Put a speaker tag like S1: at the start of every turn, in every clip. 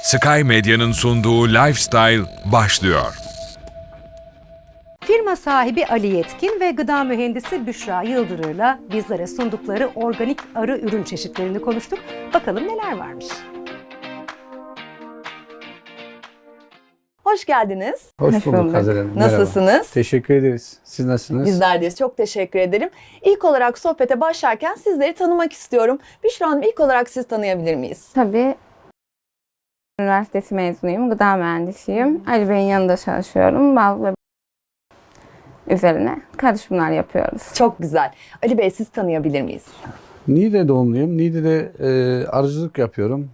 S1: Sky Medya'nın sunduğu Lifestyle başlıyor.
S2: Firma sahibi Ali Yetkin ve gıda mühendisi Büşra Yıldırır'la bizlere sundukları organik arı ürün çeşitlerini konuştuk. Bakalım neler varmış.
S3: Hoş geldiniz.
S4: Hoş bulduk Hazel Hanım. Merhaba.
S3: Nasılsınız?
S4: Teşekkür ederiz. Siz nasılsınız?
S3: Bizler deyiz. Çok teşekkür ederim. İlk olarak sohbete başlarken sizleri tanımak istiyorum. Büşra Hanım, ilk olarak siz tanıyabilir miyiz?
S5: Tabii. Üniversitesi mezunuyum. Gıda mühendisiyim. Ali Bey'in yanında çalışıyorum. Bal ve üzerine karışımlar yapıyoruz.
S3: Çok güzel. Ali Bey, siz tanıyabilir miyiz?
S4: Niğde doğumluyum. Niğde'de arıcılık yapıyorum.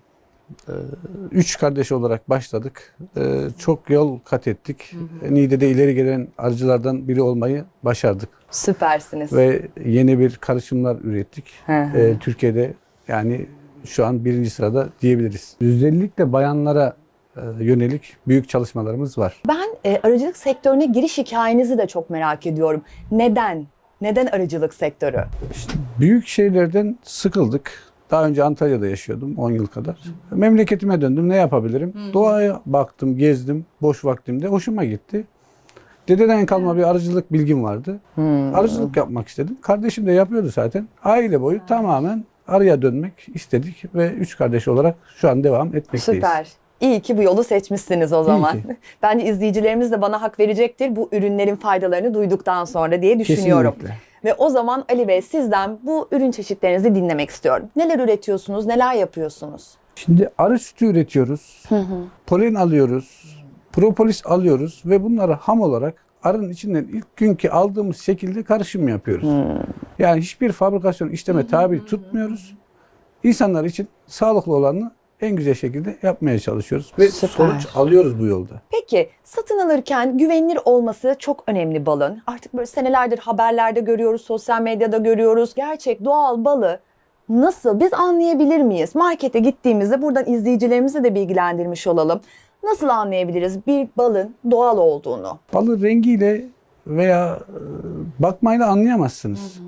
S4: 3 kardeş olarak başladık. Çok yol kat ettik. Niğde'de ileri gelen arıcılardan biri olmayı başardık.
S3: Süpersiniz.
S4: Ve yeni bir karışımlar ürettik.
S3: Hı hı.
S4: Türkiye'de yani şu an 1. sırada diyebiliriz. Özellikle bayanlara yönelik büyük çalışmalarımız var.
S3: Ben arıcılık sektörüne giriş hikayenizi de çok merak ediyorum. Neden? Neden arıcılık sektörü?
S4: Büyük şehirlerden sıkıldık. Daha önce Antalya'da yaşıyordum 10 yıl kadar. Memleketime döndüm. Ne yapabilirim? Doğaya baktım, gezdim boş vaktimde. Hoşuma gitti. Dededen kalma bir arıcılık bilgim vardı. Arıcılık yapmak istedim. Kardeşim de yapıyordu zaten. Aile boyu tamamen arıya dönmek istedik ve 3 kardeş olarak şu an devam etmekteyiz.
S3: Süper. İyi ki bu yolu seçmişsiniz o zaman.
S4: ki.
S3: Bence izleyicilerimiz de bana hak verecektir bu ürünlerin faydalarını duyduktan sonra diye düşünüyorum.
S4: Kesinlikle.
S3: Ve o zaman Ali Bey, sizden bu ürün çeşitlerinizi dinlemek istiyorum. Neler üretiyorsunuz, neler yapıyorsunuz?
S4: Şimdi arı sütü üretiyoruz. Polen alıyoruz. Propolis alıyoruz ve bunları ham olarak arının içinden ilk günkü aldığımız şekilde karışım yapıyoruz. Yani hiçbir fabrikasyon işleme tabi tutmuyoruz. İnsanlar için sağlıklı olanı en güzel şekilde yapmaya çalışıyoruz ve
S3: Süper.
S4: sonuç alıyoruz bu yolda.
S3: Peki, satın alırken güvenilir olması çok önemli balın. Artık böyle senelerdir haberlerde görüyoruz, sosyal medyada görüyoruz. Gerçek doğal balı nasıl biz anlayabilir miyiz? Markete gittiğimizde buradan izleyicilerimizi de bilgilendirmiş olalım. Nasıl anlayabiliriz bir balın doğal olduğunu?
S4: Balı rengiyle veya bakmayla anlayamazsınız.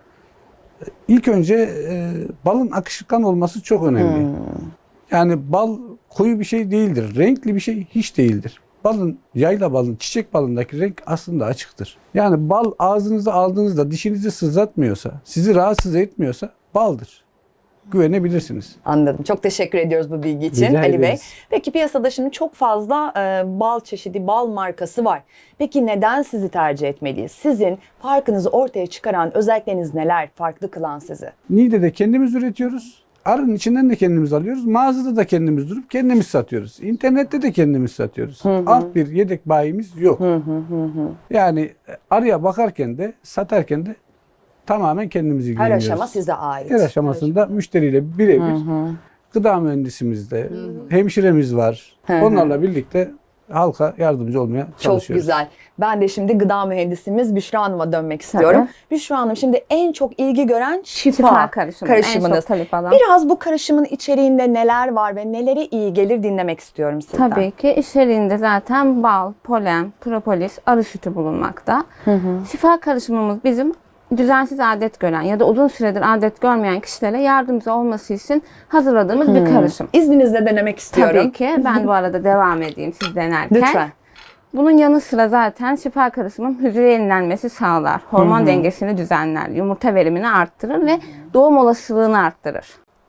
S4: İlk önce balın akışkan olması çok önemli. Yani bal koyu bir şey değildir. Renkli bir şey hiç değildir. Yayla balın, çiçek balındaki renk aslında açıktır. Yani bal ağzınıza aldığınızda dişinizi sızlatmıyorsa, sizi rahatsız etmiyorsa baldır. Güvenebilirsiniz.
S3: Anladım. Çok teşekkür ediyoruz bu bilgi için
S4: Rica
S3: Ali Bey.
S4: ederiz.
S3: Peki, piyasada şimdi çok fazla bal çeşidi, bal markası var. Peki neden sizi tercih etmeliyiz? Sizin farkınızı ortaya çıkaran özellikleriniz neler? Farklı kılan sizi?
S4: Niğde'de kendimiz üretiyoruz. Arının içinden de kendimiz alıyoruz. Mağazada da kendimiz durup kendimiz satıyoruz. İnternette de kendimiz satıyoruz. Alt bir yedek bayimiz yok. Yani arıya bakarken de satarken de tamamen kendimiz
S3: Her
S4: ilgileniyoruz.
S3: aşama size ait.
S4: Her aşamasında müşteriyle birebir gıda mühendisimiz de, hemşiremiz var. Onlarla birlikte halka yardımcı olmaya
S3: Çok
S4: çalışıyoruz.
S3: güzel. Ben de şimdi gıda mühendisimiz Büşra Hanım'a dönmek istiyorum. Büşra Hanım, şimdi en çok ilgi gören şifa
S5: karışımı. En
S3: karışımınız.
S5: çok talep alan.
S3: Biraz bu karışımın içeriğinde neler var ve nelere iyi gelir dinlemek istiyorum sizden.
S5: Tabii ki içeriğinde zaten bal, polen, propolis, arı sütü bulunmakta. Şifa karışımımız bizim düzensiz adet gören ya da uzun süredir adet görmeyen kişilere yardımcı olması için hazırladığımız bir karışım.
S3: İzninizle denemek istiyorum.
S5: Tabii ki. Ben bu arada devam edeyim siz denerken.
S3: Lütfen.
S5: Bunun yanı sıra zaten şifa karışımı hücre yenilenmesi sağlar. Hormon dengesini düzenler. Yumurta verimini arttırır ve doğum olasılığını arttırır.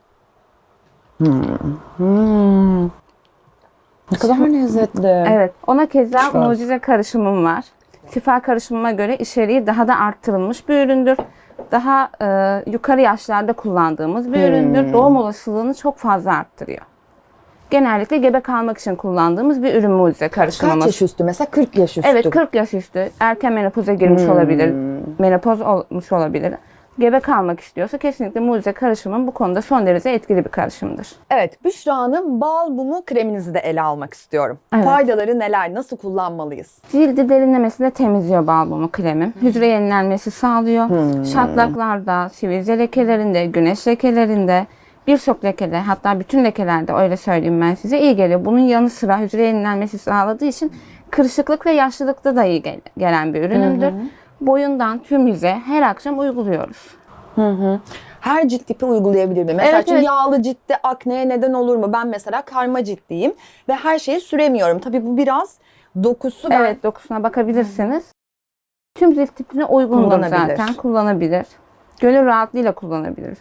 S3: Ne kadar lezzetli.
S5: Evet. Ona keza
S4: Şifa.
S5: mucize karışımım var. Şifa karışımıma göre içeriği daha da arttırılmış bir üründür. Daha yukarı yaşlarda kullandığımız bir üründür. Doğum olasılığını çok fazla arttırıyor. Genellikle gebe kalmak için kullandığımız bir ürün mucize karışımımız.
S3: Kaç yaş üstü? Mesela 40 yaş üstü.
S5: Evet, 40 yaş üstü. Erken menopoza girmiş olabilir. Menopoz olmuş olabilir. Gebe kalmak istiyorsa kesinlikle mucize karışımın bu konuda son derece etkili bir karışımdır.
S3: Evet, Büşra Hanım, bal mumu kreminizi de ele almak istiyorum.
S5: Evet.
S3: Faydaları neler? Nasıl kullanmalıyız?
S5: Cildi derinlemesine temizliyor bal mumu kremim. Hücre yenilenmesi sağlıyor. Şatlaklarda, sivilce lekelerinde, güneş lekelerinde, birçok lekede, hatta bütün lekelerde, öyle söyleyeyim ben size, iyi geliyor. Bunun yanı sıra hücre yenilenmesi sağladığı için kırışıklık ve yaşlılıkta da iyi gelen bir ürünümdür. Boyundan tüm yüze her akşam uyguluyoruz.
S3: her cilt tipi uygulayabilir mi? Mesela
S5: Evet,
S3: çünkü
S5: evet.
S3: yağlı ciltte akneye neden olur mu? Ben mesela karma ciltliyim ve her şeyi süremiyorum. Tabii bu biraz dokusu
S5: Evet, dokusuna bakabilirsiniz. Tüm cilt tipine uygundur
S3: Kullanabilir.
S5: zaten. Kullanabilir. Gönül rahatlığıyla kullanabilir.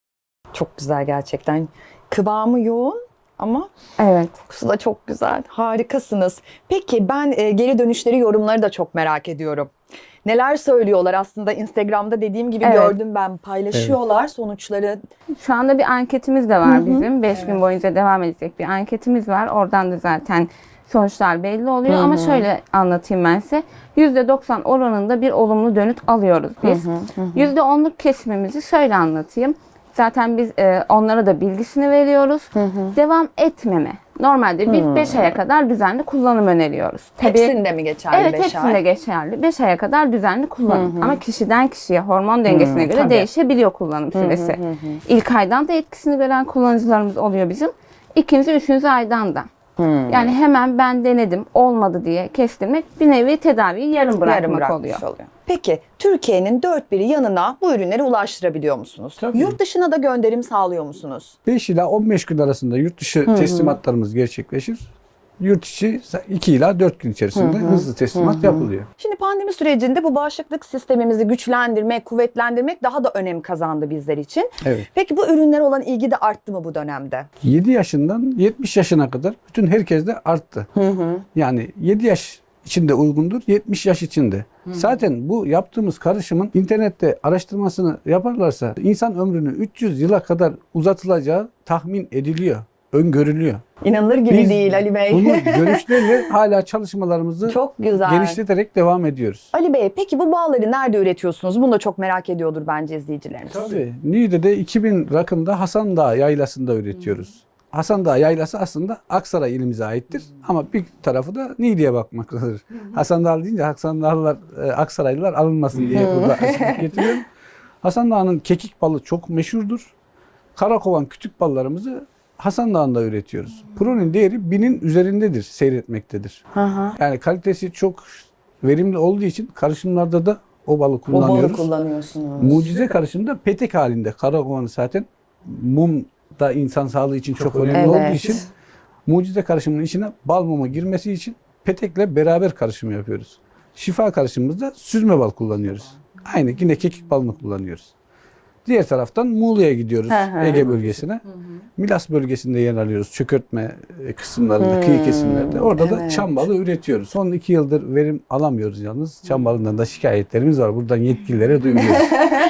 S3: çok güzel gerçekten. Kıvamı yoğun ama
S5: Evet.
S3: kokusu da çok güzel. Harikasınız. Peki ben geri dönüşleri, yorumları da çok merak ediyorum. Neler söylüyorlar aslında Instagram'da dediğim gibi
S5: Evet.
S3: gördüm ben, paylaşıyorlar sonuçları.
S5: Şu anda bir anketimiz de var bizim. 5 gün boyunca devam edecek bir anketimiz var. Oradan da zaten sonuçlar belli oluyor. Ama şöyle anlatayım ben size. %90 oranında bir olumlu dönüt alıyoruz biz. %10'luk kesimimizi şöyle anlatayım. Zaten biz onlara da bilgisini veriyoruz. Devam etmeme. Normalde biz 5 aya kadar düzenli kullanım öneriyoruz.
S3: Hepsinde mi geçerli
S5: Evet,
S3: 5
S5: hepsinde
S3: ay?
S5: geçerli. 5 aya kadar düzenli kullanım. Ama kişiden kişiye, hormon dengesine göre
S3: tabii.
S5: değişebiliyor kullanım süresi. İlk aydan da etkisini gören kullanıcılarımız oluyor bizim. İkinci, üçüncü aydan da. Yani hemen ben denedim, olmadı diye kestirmek bir nevi tedaviyi yarım bırakmak
S3: bırakmış
S5: oluyor.
S3: Peki Türkiye'nin dört bir yanına bu ürünleri ulaştırabiliyor musunuz?
S4: Tabii.
S3: Yurt dışına da gönderim sağlıyor musunuz?
S4: 5 ila 15 gün arasında yurt dışı teslimatlarımız gerçekleşir. Yurt içi 2 ila 4 gün içerisinde hızlı teslimat yapılıyor.
S3: Şimdi pandemi sürecinde bu bağışıklık sistemimizi güçlendirmek, kuvvetlendirmek daha da önem kazandı bizler için.
S4: Evet.
S3: Peki bu ürünlere olan ilgi de arttı mı bu dönemde?
S4: 7 yaşından 70 yaşına kadar bütün herkeste arttı. Yani 7 yaş içinde uygundur, 70 yaş içinde. Zaten bu yaptığımız karışımın internette araştırmasını yaparlarsa insan ömrünü 300 yıla kadar uzatılacağı tahmin ediliyor, öngörülüyor.
S3: İnanılır gibi
S4: Biz
S3: değil Ali Bey.
S4: bunu görüşlerle hala çalışmalarımızı
S3: Çok güzel.
S4: genişleterek devam ediyoruz.
S3: Ali Bey peki bu bağları nerede üretiyorsunuz? Bunu da çok merak ediyordur bence izleyicilerimiz.
S4: Tabii. Niğde'de 2000 rakımda Hasan Dağı yaylasında üretiyoruz. Hasan Dağı yaylası aslında Aksaray ilimize aittir. Ama bir tarafı da Niğde'ye bakmaktadır. Hasan Dağı deyince Hasan Dağlılar, Aksaraylılar alınmasın diye burada açıklık getiriyorum. Hasan Dağı'nın kekik balı çok meşhurdur. Karakovan kütük ballarımızı Hasan Dağı'nda üretiyoruz. Pronin değeri 1000'in üzerindedir, seyretmektedir. Yani kalitesi çok verimli olduğu için karışımlarda da o balı
S3: O balı
S4: kullanıyoruz.
S3: kullanıyorsunuz.
S4: Mucize karışımda petek halinde. Karakovanı zaten mum da insan sağlığı için çok önemli
S3: Evet.
S4: olduğu için mucize karışımının içine bal mumu girmesi için petekle beraber karışımı yapıyoruz. Şifa karışımımızda süzme bal kullanıyoruz. Aynı yine kekik balını kullanıyoruz. Diğer taraftan Muğla'ya gidiyoruz, Ege bölgesine. Milas bölgesinde yer alıyoruz. Çökertme kısımlarında, kıyı kesimlerde. Orada da çam balı üretiyoruz. Son 2 yıldır verim alamıyoruz yalnız. Çam balından da şikayetlerimiz var. Buradan yetkililere duyuruyoruz.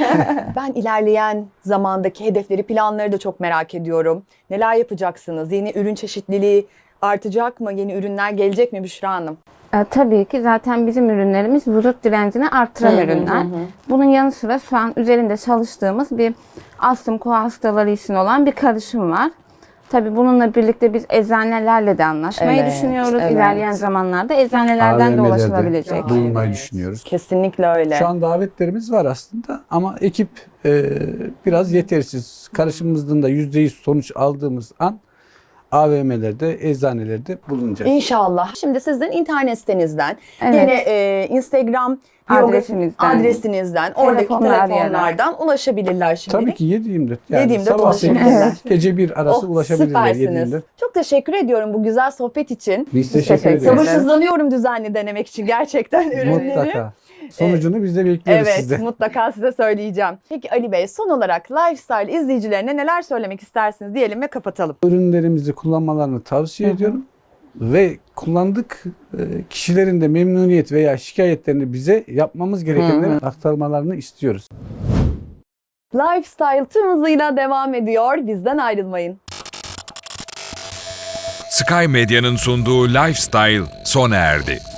S3: Ben ilerleyen zamandaki hedefleri, planları da çok merak ediyorum. Neler yapacaksınız? Yeni ürün çeşitliliği artacak mı? Yeni ürünler gelecek mi Büşra Hanım?
S5: Tabii ki zaten bizim ürünlerimiz vücut direncini artıran ürünler. Bunun yanı sıra şu an üzerinde çalıştığımız bir astım koa hastaları için olan bir karışım var. Tabii bununla birlikte biz eczanelerle de anlaşmayı
S3: Evet,
S5: düşünüyoruz.
S3: evet.
S5: İlerleyen zamanlarda eczanelerden de
S4: AVM'lerde
S5: ulaşılabilecek.
S4: bulunmayı düşünüyoruz.
S3: Kesinlikle öyle.
S4: Şu an davetlerimiz var aslında ama ekip biraz yetersiz. Karışımımızdan da %100 sonuç aldığımız an AVM'lerde, eczanelerde bulunacağız.
S3: İnşallah. Şimdi sizin internet sitenizden,
S5: Evet.
S3: yine Instagram adresinizden, oradaki
S5: Telefonlar
S3: telefonlardan ulaşabilirler şimdi.
S4: Tabii ki 7/24. Yani
S3: 7/24
S4: sabah
S3: ulaşabilirler.
S4: 8, gece 1 arası ulaşabilirler
S3: Süpersiniz.
S4: 7/24.
S3: Çok teşekkür ediyorum bu güzel sohbet için.
S4: Biz teşekkür
S5: teşekkür
S4: ederiz.
S5: ederiz.
S3: Sabırsızlanıyorum düzenli denemek için gerçekten ürünleri.
S4: Mutlaka. Sonucunu biz de bekliyoruz
S3: Evet,
S4: sizden.
S3: mutlaka size söyleyeceğim. Peki Ali Bey, son olarak Lifestyle izleyicilerine neler söylemek istersiniz diyelim ve kapatalım.
S4: Ürünlerimizi kullanmalarını tavsiye ediyorum. Ve kullandık kişilerin de memnuniyet veya şikayetlerini bize yapmamız gerekenleri aktarmalarını istiyoruz.
S3: Lifestyle tüm hızıyla devam ediyor. Bizden ayrılmayın.
S1: Sky Medya'nın sunduğu Lifestyle sona erdi.